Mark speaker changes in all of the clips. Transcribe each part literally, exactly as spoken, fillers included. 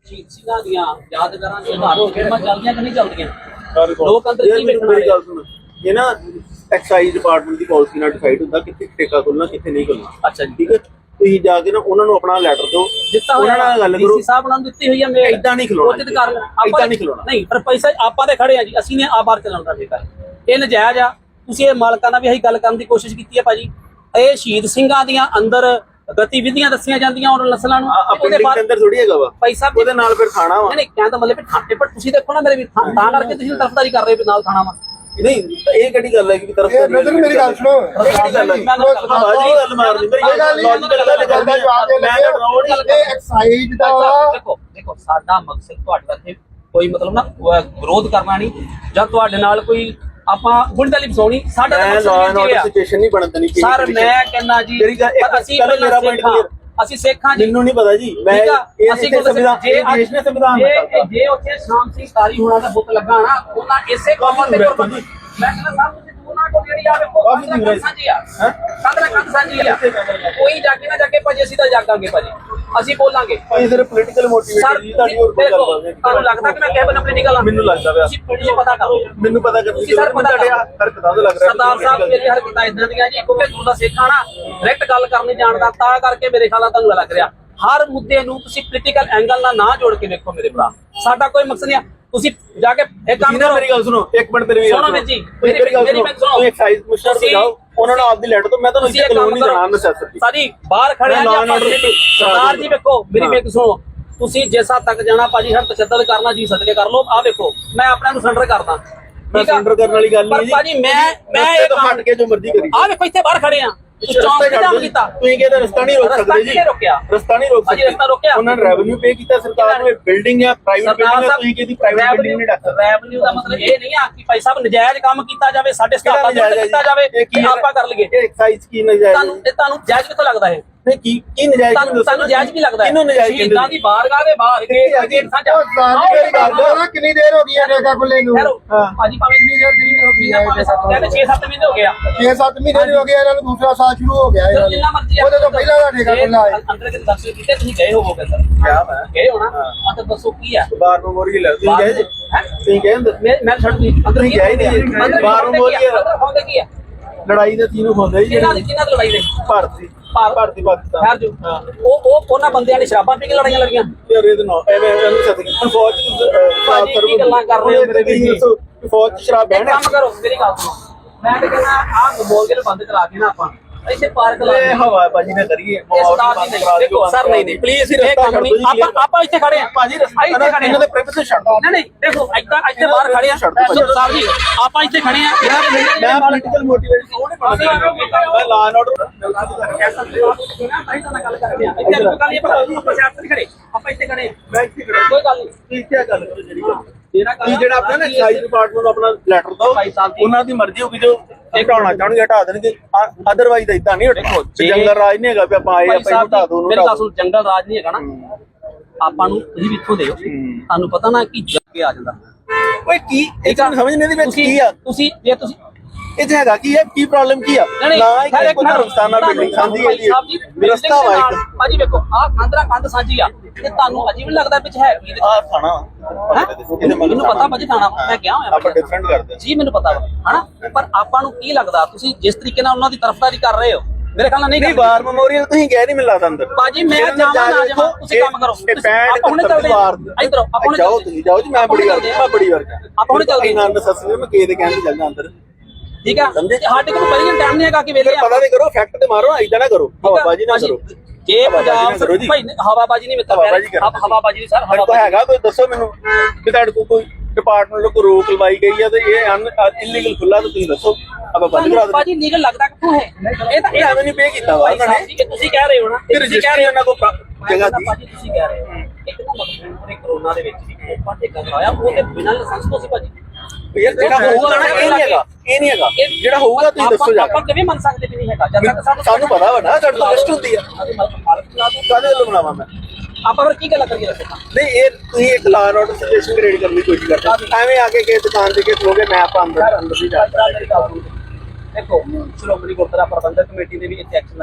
Speaker 1: ਸ਼ਹੀਦ ਸਿੰਘਾਂ ਦੀਆਂ ਯਾਦਗਾਰਾਂ ਦੀਆਂ ਧਾਰਮਿਕ ਫਿਲਮਾਂ ਚੱਲਦੀਆਂ ਕਿ ਨਹੀਂ ਚੱਲਦੀਆਂ? ਲੋਕ ਅੰਦਰ ਕੀ ਵੇਖਣ
Speaker 2: ਮੇਰੀ ਗੱਲ ਸੁਣੋ, ਇਹ ਨਾ ਐਕਸਾਈਜ਼ ਡਿਪਾਰਟਮੈਂਟ ਦੀ ਪਾਲਿਸੀ ਨਾਲ ਡਿਸਾਈਡ ਹੁੰਦਾ ਕਿੱਥੇ ਠੇਕਾ ਖੋਲਣਾ ਕਿੱਥੇ ਨਹੀਂ ਖੋਲਣਾ।
Speaker 1: ਅੱਛਾ ਜੀ,
Speaker 2: ਠੀਕ ਹੈ, ਤੁਸੀਂ ਜਾ ਕੇ ਨਾ ਉਹਨਾਂ ਨੂੰ ਆਪਣਾ ਲੈਟਰ ਦਿਓ,
Speaker 1: ਦਿੱਤਾ
Speaker 2: ਉਹਨਾਂ ਨਾਲ ਗੱਲ ਕਰੋ।
Speaker 1: ਡੀਸੀ ਸਾਹਿਬ ਨਾਲ ਦਿੱਤੀ ਹੋਈ ਹੈ ਮੇਲ,
Speaker 2: ਏਦਾਂ ਨਹੀਂ ਖਲੋਣਾ, ਏਦਾਂ ਨਹੀਂ ਖਲੋਣਾ।
Speaker 1: ਨਹੀਂ ਪਰ ਪੈਸਾ ਆਪਾਂ ਤੇ ਖੜੇ ਆ ਜੀ, ਅਸੀਂ ਨੇ ਆਬਾਰ ਚਲਾਉਣ ਦਾ ਠੇਕਾ, ਇਹ ਨਜਾਇਜ਼ ਆ। ਤੁਸੀਂ ਇਹ ਮਾਲਕਾਂ ਨਾਲ ਵੀ ਅਸੀਂ ਗੱਲ ਕਰਨ ਦੀ ਕੋਸ਼ਿਸ਼ ਕੀਤੀ ਹੈ ਭਾਜੀ। ਇਹ ਸ਼ਹੀਦ ਸਿੰਘਾਂ ਦੀਆਂ ਅੰਦਰ ਗਤੀਵਿਧੀਆਂ ਦੱਸੀਆਂ ਜਾਂਦੀਆਂ ਔਰ ਨਸਲਾਂ ਨੂੰ,
Speaker 2: ਉਹਦੇ ਬਾਅਦ ਅੰਦਰ ਥੋੜੀ ਹੈਗਾ ਵਾ
Speaker 1: ਪੈਸਾ
Speaker 2: ਉਹਦੇ ਨਾਲ ਫਿਰ ਖਾਣਾ ਵਾ।
Speaker 1: ਨਹੀਂ ਕਹਿਣ ਦਾ ਮਤਲਬ ਥਾਣੇ ਪਰ ਤੁਸੀਂ ਦੇਖੋ ਨਾ ਮੇਰੇ ਵੀ ਤਾਂ ਕਰਕੇ ਤੁਸੀਂ ਤਰਫਦਾਰੀ ਕਰ ਰਹੇ ਹੋ ਨਾਲ ਖਾਣਾ ਵਾ।
Speaker 2: ਨਹੀਂ ਇਹ ਕਿਹੜੀ ਗੱਲ ਹੈ ਕਿ ਤਰਫਦਾਰੀ? ਮੇਰੀ ਗੱਲ ਸੁਣੋ, ਇਹ ਕਿਹੜੀ ਗੱਲ ਹੈ? ਬਾਜੀ ਗੱਲ ਮਾਰਨੀ ਮੇਰੀ ਗੱਲ ਲੌਜੀਕਲ ਗੱਲ ਕਰਦਾ ਜਵਾਬ ਦੇ ਮੈਂ ਰੋਡ ਇਹ ਐਕਸਾਈਜ਼ ਦਾ।
Speaker 1: ਦੇਖੋ ਦੇਖੋ ਸਾਡਾ ਮਕਸਦ ਤੁਹਾਡੇ ਇੱਥੇ ਕੋਈ ਮਤਲਬ ਨਾ ਵਿਰੋਧ ਕਰਨਾ ਨਹੀਂ ਜਾਂ ਤੁਹਾਡੇ ਨਾਲ ਕੋਈ ਆਪਾਂ ਗੁੰਡਾਲੀ ਫਸਾਉਣੀ। ਸਾਡਾ ਤਾਂ ਮਕਸਦ ਇਹ ਹੈ ਸਿਚੁਏਸ਼ਨ ਨਹੀਂ ਬਣਨ ਦੇਣੀ। ਸਰ ਮੈਂ ਕਹਿੰਦਾ ਜੀ ਅਸੀਂ ਮੇਰਾ ਪੁਆਇੰਟ ਕਲੀਅਰ, ਅਸੀਂ ਸਿੱਖਾਂ ਜੀ,
Speaker 2: ਮੈਨੂੰ ਨਹੀਂ ਪਤਾ ਜੀ। ਮੈਂ
Speaker 1: ਅਸੀਂ ਸੰਵਿਧਾਨ ਜੇ ਦੇਸ਼ ਨੇ ਸੰਵਿਧਾਨ ਜੇ ਉੱਥੇ ਸ਼ਾਮ ਸਿੰਘ ਤਾਰੀ ਹੋਣਾ ਦਾ ਬੁੱਤ ਲੱਗਾ ਨਾ ਉਹਨਾਂ ਇਸੇ ਕੌਮ ਤੇ ਕੁਰਬਾਨੀ। ਮੈਂ ਕਹਿੰਦਾ ਸਾਹਿਬ ਤੁਸੀਂ ਉਹਨਾਂ ਕੋਲ ਜਿਹੜੀ ਆ ਵੇਖੋ ਕੰਧ ਸਾਂਝੀ ਆ, ਕੰਧ ਨਾਲ ਕੰਧ ਸਾਂਝੀ ਆ, ਕੋਈ ਜਾ ਕੇ ਨਾ ਜਾ ਕੇ ਭਾਜੀ ਅਸੀਂ ਤਾਂ ਜਾਗਾਂਗੇ ਭਾਜੀ, ਅਸੀਂ ਬੋਲਾਂਗੇ।
Speaker 2: ਇਹ ਸਿਰਫ ਪੋਲੀਟੀਕਲ ਮੋਟੀਵੇਸ਼ਨ ਜੀ ਤੁਹਾਡੀ ਹੋਰ ਕੋਈ ਗੱਲ ਨਹੀਂ।
Speaker 1: ਤੁਹਾਨੂੰ ਲੱਗਦਾ ਕਿ ਮੈਂ ਕਿਹ ਬਣਾ ਪੋਲੀਟੀਕਲ ਆ?
Speaker 2: ਮੈਨੂੰ ਲੱਗਦਾ ਪਿਆ
Speaker 1: ਤੁਸੀਂ ਪਤਾ ਕਰੋ,
Speaker 2: ਮੈਨੂੰ ਪਤਾ ਕਰ
Speaker 1: ਤੁਸੀਂ ਸਰ ਪਤਾ
Speaker 2: ਤੁਹਾਡੇ ਹਰਕਤਾਂ ਤੋਂ ਲੱਗ ਰਿਹਾ
Speaker 1: ਸਰਦਾਰ ਸਾਹਿਬ ਮੇਰੀ ਹਰਕਤਾਂ ਇਦਾਂ ਦੀਆਂ ਜੀ ਕਿਉਂਕਿ ਗੁਰੂ ਦਾ ਸਿੱਖ ਆ ਨਾ, ਡਾਇਰੈਕਟ ਗੱਲ ਕਰਨੀ ਜਾਣਦਾ, ਤਾਂ ਕਰਕੇ ਮੇਰੇ ਖਿਆਲ ਨਾਲ ਤੁਹਾਨੂੰ ਲੱਗ ਰਿਹਾ ਹਰ ਮੁੱਦੇ ਨੂੰ ਤੁਸੀਂ ਪੋਲੀਟੀਕਲ ਐਂਗਲ ਨਾਲ ਨਾ ਜੋੜ ਕੇ ਵੇਖੋ ਮੇਰੇ ਭਰਾ। ਸਾਡਾ ਕੋਈ ਮਕਸਦ ਨਹੀਂ। ਤੁਸੀਂ ਜਾ ਕੇ ਇੱਕ ਕੰਮ ਕਰੋ,
Speaker 2: ਮੇਰੀ ਗੱਲ ਸੁਣੋ ਇੱਕ ਮਿੰਟ ਮੇਰੀ
Speaker 1: ਸੁਣੋ ਵੀਰ ਜੀ, ਮੇਰੀ
Speaker 2: ਗੱਲ ਸੁਣੋ। ਤੁਸੀਂ ਐਕਸਾਈਜ਼ ਕਮਿਸ਼ਨਰ ਤੇ ਜਾਓ, ਉਹਨਾਂ ਨੂੰ ਆਪਦੀ ਲੈਟਰ ਤੋਂ ਮੈਂ ਤੁਹਾਨੂੰ ਇੱਥੇ ਕਾਨੂੰਨ ਨਹੀਂ ਜਾਣਦਾ ਨੈਸੈਸਿਟੀ
Speaker 1: ਸਾਡੀ ਬਾਹਰ ਖੜੇ ਆ ਜੀ। ਸਰਦਾਰ ਜੀ ਵੇਖੋ ਮੇਰੀ ਬੇਨਤੀ ਸੁਣੋ, ਤੁਸੀਂ ਜਿਸ ਹੱਦ ਤੱਕ ਜਾਣਾ ਭਾਜੀ ਹਰ ਤਸ਼ੱਦਦ ਕਰਨਾ ਜੀ ਸਦਕੇ ਕਰ ਲਓ। ਆ ਵੇਖੋ ਮੈਂ ਆਪਣੇ ਨੂੰ ਸਰੈਂਡਰ ਕਰਦਾ,
Speaker 2: ਮੈਂ ਸਰੈਂਡਰ ਕਰਨ ਵਾਲੀ ਗੱਲ ਨਹੀਂ ਜੀ
Speaker 1: ਭਾਜੀ। ਮੈਂ ਮੈਂ ਇਹ
Speaker 2: ਹਟ ਕੇ ਜੋ ਮਰਜ਼ੀ ਕਰੀ।
Speaker 1: ਆ ਵੇਖੋ ਇੱਥੇ ਬਾਹਰ ਖੜੇ ਆ, ਚੌਂਕ ਤੇ ਜਾਮ ਕੀਤਾ,
Speaker 2: ਤੁਸੀਂ ਕਹਿੰਦੇ ਰਸਤਾ ਨਹੀਂ ਰੋਕ ਸਕਦੇ ਜੀ। ਰਸਤਾ ਨਹੀਂ ਰੋਕ ਸਕਦੇ,
Speaker 1: ਰਸਤਾ ਰੋਕਿਆ
Speaker 2: ਉਹਨਾਂ ਨੇ ਰੈਵਨਿਊ ਪੇ ਕੀਤਾ ਸਰਕਾਰ ਨੂੰ। ਬਿਲਡਿੰਗ ਹੈ ਪ੍ਰਾਈਵੇਟ ਬਿਲਡਿੰਗ ਹੈ, ਤੁਸੀਂ ਕਿਹਦੀ ਪ੍ਰਾਈਵੇਟ ਬਿਲਡਿੰਗ ਨਹੀਂ ਡੱਕ ਸਕਦੇ।
Speaker 1: ਰੈਵਨਿਊ ਦਾ ਮਤਲਬ ਇਹ ਨਹੀਂ ਆ ਕਿ ਭਾਈ ਸਾਹਿਬ ਨਜਾਇਜ਼ ਕੰਮ ਕੀਤਾ ਜਾਵੇ, ਸਾਡੇ ਸਟਾਫਾਂ ਨੂੰ ਕੀਤਾ ਜਾਵੇ ਕਿ ਆਪਾਂ ਕਰ ਲਈਏ।
Speaker 2: ਇਹ ਐਕਸਾਈਜ਼ ਕੀ ਨਜਾਇਜ਼?
Speaker 1: ਤੁਹਾਨੂੰ ਇਹ ਤੁਹਾਨੂੰ ਜਾਇਜ਼ ਕਿੱਥੋਂ ਲੱਗਦਾ ਹੈ?
Speaker 2: ਨਹੀਂ ਕੀ ਕੀ ਨਜਾਇਜ਼?
Speaker 1: ਤੁਹਾਨੂੰ ਜਾਇਜ਼ ਕੀ ਲੱਗਦਾ ਹੈ?
Speaker 2: ਕਿਹਨੂੰ ਨਜਾਇਜ਼ ਕਹਿੰਦੇ?
Speaker 1: ਸ਼ਹੀਦਾਂ ਦੀ ਬਾਰਗਾਹ ਦੇ ਬਾਹਰ ਗੇਟ ਸਾਂਝਾ
Speaker 2: ਕਿੰਨੀ ਦੇਰ ਹੋ ਗਈ ਹੈ ਠੇਕਾ ਖੁੱਲੇ ਨੂੰ?
Speaker 1: ਭਾਜੀ ਭਾਵੇਂ ਕਿੰਨੀ ਦੇਰ ਕਿੰਨੀ ਹੋ ਗਈ ਹੈ? ਕਹਿੰਦੇ ਛੇ ਸੱਤ ਮਹੀਨੇ ਹੋ ਗਏ ਆ।
Speaker 2: ਛੇ ਸੱਤ ਮਹੀਨੇ ਹੋ ਗਏ ਇਹਨਾਂ ਨੂੰ, ਦੂਸਰਾ ਸਾਲ ਸ਼ੁਰੂ ਹੋ ਗਿਆ ਹੈ।
Speaker 1: ਜਿੰਨਾ ਮਰਜ਼ੀ
Speaker 2: ਉਹਦੇ ਤੋਂ ਪਹਿਲਾਂ ਦਾ ਠੇਕਾ ਖੁੱਲਾ ਹੈ।
Speaker 1: ਅੰਦਰ ਕਿਤੇ ਦਰਸ਼ਨ ਕੀਤੇ ਤੁਸੀਂ ਗਏ ਹੋਵੋਗੇ ਸਰ?
Speaker 2: ਕਿਆ ਮੈਂ
Speaker 1: ਗਏ ਹੋਣਾ। ਆ ਤਾਂ ਦੱਸੋ ਕੀ ਆ
Speaker 2: ਬਾਰ ਮੈਮੋਰੀਅਲ ਹੈ? ਤੁਸੀਂ ਗਏ ਜੀ? ਤੁਸੀਂ ਗਏ ਅੰਦਰ?
Speaker 1: ਮੈਂ ਮੈਂ ਛੱਡ ਦੀ ਅੰਦਰ
Speaker 2: ਤੁਸੀਂ ਗਏ ਨਹੀਂ? ਬਾਰ ਮੈਮੋਰੀਅਲ
Speaker 1: ਅੰਦਰ ਹੋਂਦੇ ਕੀ ਆ?
Speaker 2: ਲੜਾਈ ਦੇ ਤੀਨੋਂ ਹੁੰਦੇ ਜੀ।
Speaker 1: ਕਿਹਨਾਂ ਦੀ ਕਿਹਨਾਂ ਦੀ ਲੜਾਈ ਦੇ?
Speaker 2: ਭਾਰਤੀ ਭਾਰਤੀ ਪਾਕਿਸਤਾਨ।
Speaker 1: ਖੈਰ ਜੋ ਉਹ ਉਹ ਉਹਨਾਂ ਬੰਦਿਆਂ ਨੇ ਸ਼ਰਾਬਾਂ ਪੀ ਕੇ ਲੜਾਈਆਂ ਲੜੀਆਂ।
Speaker 2: ਯਾਰ ਇਹ ਤਾਂ ਨਾ ਐਵੇਂ ਇਹਨੂੰ ਸੱਤ ਕਿ ਫੌਜ
Speaker 1: ਭਾਜੀ ਕੀ ਗੱਲਾਂ ਕਰ ਰਹੇ ਹੋ ਮੇਰੇ ਵੀਰ?
Speaker 2: ਫੌਜ ਚ ਸ਼ਰਾਬ ਬਹਿਣਾ।
Speaker 1: ਕੰਮ ਕਰੋ ਮੇਰੀ ਗੱਲ ਸੁਣੋ, ਮੈਂ ਤੇ ਕਹਿੰਦਾ ਆਹ ਬੋਲ ਕੇ ਬੰਦ ਕਰਾ ਕੇ ਨਾ ਆਪਾਂ ਇੱਥੇ ਪਾਰਕ ਲਾ
Speaker 2: ਇਹ ਹਵਾ ਬਾਜੀ ਨਾ ਕਰੀਏ।
Speaker 1: ਦੇਖੋ ਸਰ ਨਹੀਂ ਨਹੀਂ ਪਲੀਜ਼ ਇਹ ਕੰਮ ਨਹੀਂ। ਆਪਾਂ ਆਪਾਂ ਇੱਥੇ ਖੜੇ ਆ
Speaker 2: ਭਾਜੀ,
Speaker 1: ਇੱਥੇ ਖੜੇ
Speaker 2: ਇਹਨਾਂ ਦੇ ਪ੍ਰਾਈਵੇਸੀ ਛੱਡ ਦੋ।
Speaker 1: ਨਹੀਂ ਨਹੀਂ ਦੇਖੋ ਇੱਦਾਂ ਇੱਥੇ ਬਾਹਰ ਖੜੇ ਆ ਸਾਹਿਬ ਜੀ, ਆਪਾਂ ਇੱਥੇ ਖੜੇ ਆ।
Speaker 2: ਮੈਂ ਪੋਲੀਟੀਕਲ ਮੋਟੀਵੇਸ਼ਨ ਉਹ ਨਹੀਂ ਪਾਉਂਦਾ, ਮੈਂ ਲਾ ਐਂਡ ਆਰਡਰ
Speaker 1: ਗੱਲ ਕਰਦੇ ਆ। ਇੱਥੇ ਗੱਲ ਨਹੀਂ ਆਪਾਂ ਸ਼ਾਇਦ ਨਹੀਂ ਖੜੇ, ਆਪਾਂ ਇੱਥੇ ਖੜੇ ਆ।
Speaker 2: ਮੈਂ ਇੱਥੇ ਖੜਾ,
Speaker 1: ਕੋਈ ਗੱਲ ਨਹੀਂ।
Speaker 2: ਤੁਸੀਂ ਕੀ ਗੱਲ ਕਰੋ ਜਿਹੜੀ ਜਿਹੜਾ ਆਪਣਾ ਨਾ ਐਕਸਾਈਜ਼ ਡਿਪਾਰਟਮੈਂਟ ਨੂੰ ਆਪਣਾ ਲੈਟਰ ਦਿਓ, ਉਹਨਾਂ ਦੀ ਮਰਜ਼ੀ ਹੋਊਗੀ ਜੋ ਹਟਾਉਣਾ ਚਾਹਣਗੇ ਹਟਾ ਦੇਣਗੇ, ਅਦਰਵਾਈਜ਼ ਇਦਾਂ ਨਹੀਂ ਹਟੇਗਾ। ਜੰਗਲ ਰਾਜ ਨਹੀਂ ਹੈਗਾ ਵੀ ਆਪਾਂ ਆਏ ਆਪਾਂ ਹਟਾ ਦੋ।
Speaker 1: ਮੇਰੇ ਕੋਲ ਜੰਗਲ ਰਾਜ ਨਹੀਂ ਹੈਗਾ ਨਾ, ਆਪਾਂ ਨੂੰ ਤੁਸੀਂ ਵੀ ਇੱਥੋਂ ਦਿਓ, ਤੁਹਾਨੂੰ ਪਤਾ ਨਾ ਕਿ ਜੱਗੇ ਆ ਜਾਂਦਾ।
Speaker 2: ਓਏ ਕੀ ਇਹ ਤਾਂ ਸਮਝ ਨਹੀਂ ਆਉਂਦੀ ਵਿੱਚ ਕੀ ਆ।
Speaker 1: ਤੁਸੀਂ ਜੇ ਤੁਸੀਂ
Speaker 2: ਇਹ ਹੈਗਾ ਕੀ ਹੈ, ਕੀ ਪ੍ਰੋਬਲਮ ਕੀ ਆ? ਨਾ ਇੱਕ ਕੋਈ ਰਸਤਾਨਾ ਬਿਲਡਿੰਗ ਸਾਂਝੀ ਹੈ ਜੀ, ਰਸਤਾ ਵਾ ਇੱਕ।
Speaker 1: ਭਾਜੀ ਵੇਖੋ ਆਹ ਕੰਧਰਾ ਕੰਧ ਸਾਂਝੀ ਆ ਤੇ ਤੁਹਾਨੂੰ ਅਜੀਬ ਲੱਗਦਾ ਵਿੱਚ ਹੈ ਕੀ?
Speaker 2: ਆਹ ਥਾਣਾ
Speaker 1: ਮੈਨੂੰ ਪਤਾ ਭਾਜੀ ਥਾਣਾ, ਮੈਂ ਗਿਆ ਹੋਇਆ
Speaker 2: ਆਪਾਂ ਡਿਫਰੈਂਟ ਕਰਦੇ
Speaker 1: ਜੀ, ਮੈਨੂੰ ਪਤਾ ਵਾ ਹਨਾ। ਪਰ ਆਪਾਂ ਨੂੰ ਕੀ ਲੱਗਦਾ ਤੁਸੀਂ ਜਿਸ ਤਰੀਕੇ ਨਾਲ ਉਹਨਾਂ ਦੀ ਤਰਫਦਾਰੀ ਕਰ ਰਹੇ ਹੋ ਮੇਰੇ ਖਿਆਲ ਨਾਲ ਨਹੀਂ।
Speaker 2: ਬਾਰ ਮੈਮੋਰੀਅਲ ਤੁਸੀਂ ਗਏ ਨਹੀਂ ਮੈਨੂੰ ਲੱਗਦਾ ਅੰਦਰ।
Speaker 1: ਭਾਜੀ ਮੈਂ ਜਾਵਾਂ ਨਾ ਜਾਵਾਂ ਤੁਸੀਂ ਕੰਮ ਕਰੋ। ਆਪਾਂ ਹੁਣੇ ਚੱਲਦੇ ਆ ਇਧਰੋਂ, ਆਪਾਂ ਹੁਣੇ
Speaker 2: ਜਾਓ ਤੁਸੀਂ ਜਾਓ ਜੀ। ਮੈਂ ਬੜੀ ਵਾਰ ਮੈਂ ਬੜੀ ਵਾਰ
Speaker 1: ਆਪਾਂ ਹੁਣੇ ਚੱਲਦੇ
Speaker 2: ਇਹਨਾਂ ਨੇ ਸੱਸ ਨੇ ਮੈਂ ਕੇ ਦੇ ਕਹਿਣ ਤੇ ਚੱਲਦਾ ਅੰਦਰ।
Speaker 1: ਠੀਕ ਆ ਸਾਡੇ ਕੋਲ ਪਹਿਲਾਂ ਟਾਈਮ ਨਹੀਂ ਹੈਗਾ ਕਿ ਵੇਲੇ
Speaker 2: ਪਤਾ ਨਹੀਂ ਕਰੋ, ਫੈਕਟ ਤੇ ਮਾਰੋ, ਇਦਾਂ ਨਾ ਕਰੋ, ਹਵਾਬਾਜੀ ਨਾ ਕਰੋ।
Speaker 1: ਜੇ ਪੰਜਾਬ ਭਾਈ ਹਵਾਬਾਜੀ ਨਹੀਂ ਮਿੱਤਰ ਹਵਾਬਾਜੀ ਨਹੀਂ ਸਰ
Speaker 2: ਹਵਾ ਹੈਗਾ ਕੋਈ ਦੱਸੋ ਮੈਨੂੰ ਕਿ ਤੁਹਾਡੇ ਕੋਲ ਕੋਈ ਡਿਪਾਰਟਮੈਂਟ ਨੂੰ ਕੋਈ ਰੋਕ ਲਵਾਈ ਗਈ ਹੈ ਤੇ ਇਹ ਇਲੀਗਲ ਖੁੱਲਾ ਤਾਂ ਤੁਸੀਂ ਦੱਸੋ ਆਪਾਂ ਬੰਦ ਕਰਾ ਦਿੰਦੇ।
Speaker 1: ਭਾਜੀ ਲੀਗਲ ਲੱਗਦਾ ਕਿੱਥੋਂ ਹੈ? ਇਹ ਤਾਂ
Speaker 2: ਇਹ ਐਵੇਂ ਨਹੀਂ ਪੇ ਕੀਤਾ ਵਾ ਉਹਨਾਂ ਨੇ।
Speaker 1: ਤੁਸੀਂ ਕਹਿ ਰਹੇ ਹੋ ਨਾ,
Speaker 2: ਤੁਸੀਂ ਕਹਿ ਰਹੇ ਹੋ ਉਹਨਾਂ ਕੋਲ ਜਗ੍ਹਾ ਦੀ।
Speaker 1: ਭਾਜੀ ਤੁਸੀਂ ਕਹਿ ਰਹੇ ਹੋ ਇੱਕ ਤਾਂ ਮਤਲਬ ਕਰੋਨਾ ਦੇ ਵਿੱਚ ਵੀ ਆਪਾਂ ਠੇਕਾ ਕਰਾਇਆ ਉਹ ਤੇ ਬਿਨਾਂ ਲਾਇਸੈਂਸ ਤੋਂ ਸੀ ਭਾਜੀ।
Speaker 2: ਯਾਰ ਜਿਹੜਾ ਹੋਊਗਾ ਨਾ ਇਹ ਨਹੀਂ ਹੈਗਾ, ਇਹ ਨਹੀਂ ਹੈਗਾ ਜਿਹੜਾ ਹੋਊਗਾ ਤੁਸੀਂ ਦੱਸੋ ਜਾ ਕੇ।
Speaker 1: ਆਪਾਂ ਕਿਵੇਂ ਮੰਨ ਸਕਦੇ ਵੀ ਨਹੀਂ ਹੈਗਾ ਜਦ ਤੱਕ
Speaker 2: ਸਾਨੂੰ ਪਤਾ ਵਾ ਨਾ ਸਾਡੇ ਤੋਂ ਲਿਸਟ ਹੁੰਦੀ ਆ। ਕਾਹਦੇ ਵੱਲੋਂ ਬਣਾਵਾਂ ਮੈਂ?
Speaker 1: ਆਪਾਂ ਫਿਰ ਕੀ ਗੱਲ ਕਰੀਏ ਦੱਸੋ?
Speaker 2: ਨਹੀਂ ਇਹ ਤੁਸੀਂ ਇੱਕ law and order situation create ਕਰਨ ਦੀ ਕੋਸ਼ਿਸ਼ ਕਰਦੇ ਐਵੇਂ ਆ ਕੇ ਕਿਸੇ ਦੁਕਾਨ ਤੇ ਕਿਸੇ ਲੋਗੇ ਮੈਂ ਆਪਾਂ ਅੰਦਰ ਅੰਦਰ ਵੀ ਜਾ
Speaker 1: ਦੇਖੋ ਸ਼੍ਰੋਮਣੀ ਗੁਰਦੁਆਰਾ ਪ੍ਰਬੰਧਕ ਕਮੇਟੀ ਨੇ ਵੀ ਇੱਥੇ ਐਕਸ਼ਨ ਲਾਤਾ।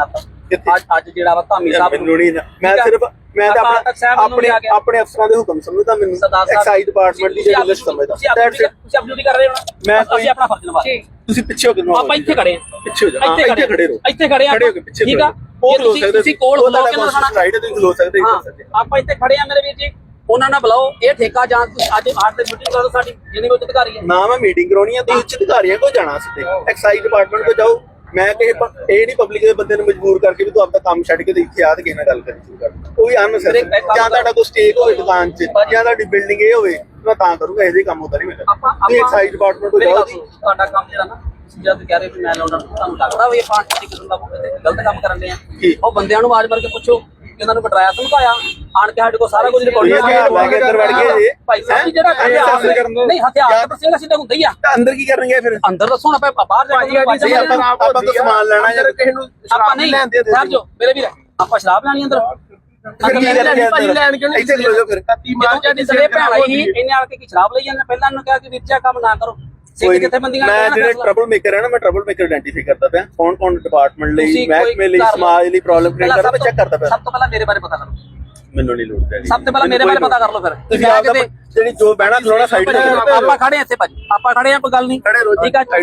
Speaker 1: ਅੱਜ ਅੱਜ ਜਿਹੜਾ ਵਾ ਧਾਮੀ ਸਾਹਿਬ
Speaker 2: ਮੈਨੂੰ ਨਹੀਂ ਮੈਂ ਸਿਰਫ ਮੈਂ ਤਾਂ ਆਪਣੇ ਆਪਣੇ ਆਪਣੇ ਅਫਸਰਾਂ ਦੇ ਹੁਕਮ ਸਮਝਦਾ ਮੈਨੂੰ ਐਕਸਾਈਜ਼ ਡਿਪਾਰਟਮੈਂਟ ਦੀ ਜਿਹੜੀ ਲਿਸਟ ਸਮਝਦਾ
Speaker 1: ਤੁਸੀਂ ਆਪਣੀ ਡਿਊਟੀ ਕਰ ਰਹੇ ਹੋ
Speaker 2: ਮੈਂ
Speaker 1: ਅਸੀਂ ਆਪਣਾ ਫਰਜ਼ ਨਿਭਾ ਰਹੇ
Speaker 2: ਤੁਸੀਂ ਪਿੱਛੇ ਹੋ ਕੇ
Speaker 1: ਆਪਾਂ ਇੱਥੇ ਖੜੇ ਆ
Speaker 2: ਪਿੱਛੇ ਹੋ ਜਾ ਇੱਥੇ ਖੜੇ ਰਹੋ
Speaker 1: ਇੱਥੇ ਖੜੇ ਆ
Speaker 2: ਖੜੇ ਹੋ ਕੇ ਪਿੱਛੇ
Speaker 1: ਠੀਕ ਆ
Speaker 2: ਉਹ ਖਲੋ ਸਕਦੇ
Speaker 1: ਤੁਸੀਂ ਕੋਲ ਖਲੋ ਕੇ ਨਾ ਦਿਖਾਣਾ
Speaker 2: ਰਾਈਟ ਤੁਸੀਂ ਖਲੋ ਸਕਦੇ
Speaker 1: ਆਪਾਂ ਇੱਥੇ ਖੜੇ ਆ ਮੇਰੇ ਵੀਰ ਜੀ ਉਹਨਾਂ ਨਾਲ ਬੁਲਾਓ ਇਹ ਠੇਕਾ ਜਾਂ ਅੱਜ ਆਠ ਦੇ ਮੀਟਿੰਗ ਕਰੋ ਸਾਡੀ ਜਿੰਨੇ ਵੀ ਅਧਿਕਾਰੀ ਹੈ
Speaker 2: ਨਾ ਮੈਂ ਮੀਟਿੰਗ ਕਰਾਉਣੀ ਆ ਤੁਸੀਂ ਉੱਚ ਅਧਿਕਾਰੀਆਂ ਕੋਲ ਜਾਣਾ ਸਿੱਧੇ ਐਕਸਾਈਜ਼ ਡਿਪਾਰਟਮੈਂਟ ਕੋਲ ਜਾਓ ਮੈਂ ਕਿ ਇਹ ਨਹੀਂ ਪਬਲਿਕ ਦੇ ਬੰਦੇ ਨੂੰ ਮਜਬੂਰ ਕਰਕੇ ਵੀ ਤੂੰ ਆਪਦਾ ਕੰਮ ਛੱਡ ਕੇ ਤੇ ਇੱਥੇ ਆ ਤੇ ਕਿਸੇ ਨਾਲ ਗੱਲ ਕਰੀ ਸ਼ੁਰੂ ਕਰ ਉਹ ਵੀ ਅਨਸਰ ਜਾਂ ਤੁਹਾਡਾ ਕੋਈ ਸਟੇਕ ਹੋਵੇ ਦੁਕਾਨ 'ਚ ਜਾਂ ਤੁਹਾਡੀ ਬਿਲਡਿੰਗ ਇਹ ਹੋਵੇ ਮੈਂ ਤਾਂ ਕਰੂੰਗਾ ਇਹਦੇ ਕੰਮ ਹੁੰਦਾ ਨਹੀਂ ਮੇਰਾ ਤੁਸੀਂ ਐਕਸਾਈਜ਼ ਡਿਪਾਰਟਮੈਂਟ ਕੋਲ ਜਾਓ ਜੀ
Speaker 1: ਤੁਹਾਡਾ ਕੰਮ ਜਿਹੜਾ ਨਾ ਜਦ ਕਹਿ ਰਹੇ ਵੀ ਮੈਂ ਲਾਉਣਾ ਤੁਹਾਨੂੰ ਲੱਗਦਾ ਵੀ ਇਹ ਪਾਰਟੀ ਦੀ ਕਿਸਮ ਦਾ ਗਲਤ ਕੰਮ ਕਰਨ ਦੇ ਆ ਉਹ ਬੰਦਿਆਂ ਨੂੰ ਆਵਾਜ਼ ਮਾਰ ਕੇ ਪੁੱਛੋ ਇਹਨਾਂ ਨੂੰ ਬਟਰਾਇਆ ਧਮਕਾਇਆ ਆਣ ਕੇ ਸਾਡੇ ਕੋਲ ਸਾਰਾ ਕੁਝ ਰਿਕਾਰਡ
Speaker 2: ਅੰਦਰ ਵੜ ਗਏ
Speaker 1: ਭਾਈ ਸਾਹਿਬ ਜਿਹੜਾ ਨਹੀਂ ਹਥਿਆਰ ਤਾਂ ਸਿੰਘ ਸਿੱਧਾ ਹੁੰਦਾ ਹੀ ਆ
Speaker 2: ਅੰਦਰ ਕੀ ਕਰਨਗੇ ਫਿਰ
Speaker 1: ਅੰਦਰ ਦੱਸੋ ਨਾ ਬਾਹਰ ਜਾ ਕੇ
Speaker 2: ਆਪਾਂ ਤਾਂ ਸਮਾਨ ਲੈਣਾ ਜਾਂ ਕਿਸੇ ਨੂੰ
Speaker 1: ਆਪਾਂ ਨਹੀਂ ਸਰ ਜੋ ਮੇਰੇ ਵੀਰ ਆਪਾਂ ਸ਼ਰਾਬ ਲੈਣੀ ਅੰਦਰ
Speaker 2: ਲੈਣ ਕਿਉਂ ਇੱਥੇ ਖਲੋ ਜਾਓ ਫਿਰ
Speaker 1: ਜਿਹੜੇ ਭੈਣ ਆਈ ਸੀ ਇਹਨੇ ਆ ਕੇ ਕੀ ਸ਼ਰਾਬ ਲਈ ਜਾਂਦੇ ਪਹਿਲਾਂ ਇਹਨੂੰ ਕਿਹਾ ਕਿ ਵੀਰ ਕੰਮ ਨਾ ਕਰੋ
Speaker 2: ਮੈਂ ਜਿਹੜੇ ਟਰਬਲ ਮੇਕਰ ਹੈ ਨਾ ਮੈਂ ਟਰਬਲ ਮੇਕਰ ਆਇਡੈਂਟੀਫਾਈ ਕਰਦਾ ਪਿਆ ਕੌਣ ਕੌਣ ਡਿਪਾਰਟਮੈਂਟ ਲਈ ਮਹਿਕਮੇ ਲਈ ਸਮਾਜ ਲਈ ਪ੍ਰੋਬਲਮ ਕ੍ਰੀਏਟ ਕਰਦਾ ਮੈਂ ਚੈੱਕ ਕਰਦਾ ਪਿਆ
Speaker 1: ਸਭ ਤੋਂ ਪਹਿਲਾਂ ਮੇਰੇ ਬਾਰੇ ਪਤਾ ਕਰੋ
Speaker 2: ਮੈਨੂੰ ਨਹੀਂ ਲੋੜ ਪੈਣੀ
Speaker 1: ਸਭ ਤੋਂ ਪਹਿਲਾਂ ਮੇਰੇ ਬਾਰੇ ਪਤਾ ਕਰ ਲਓ ਫਿਰ
Speaker 2: ਤੁਸੀਂ ਆਪ ਜਿਹੜੀ ਜੋ ਬਹਿਣਾ ਖਲੋਣਾ ਸਾਈਡ ਤੇ
Speaker 1: ਆਪਾਂ ਖੜੇ ਇੱਥੇ ਭਾਜੀ ਆਪਾਂ ਖੜੇ ਆ ਕੋਈ ਗੱਲ ਨਹੀਂ
Speaker 2: ਖੜੇ ਰਹੋ
Speaker 1: ਠੀਕ ਆ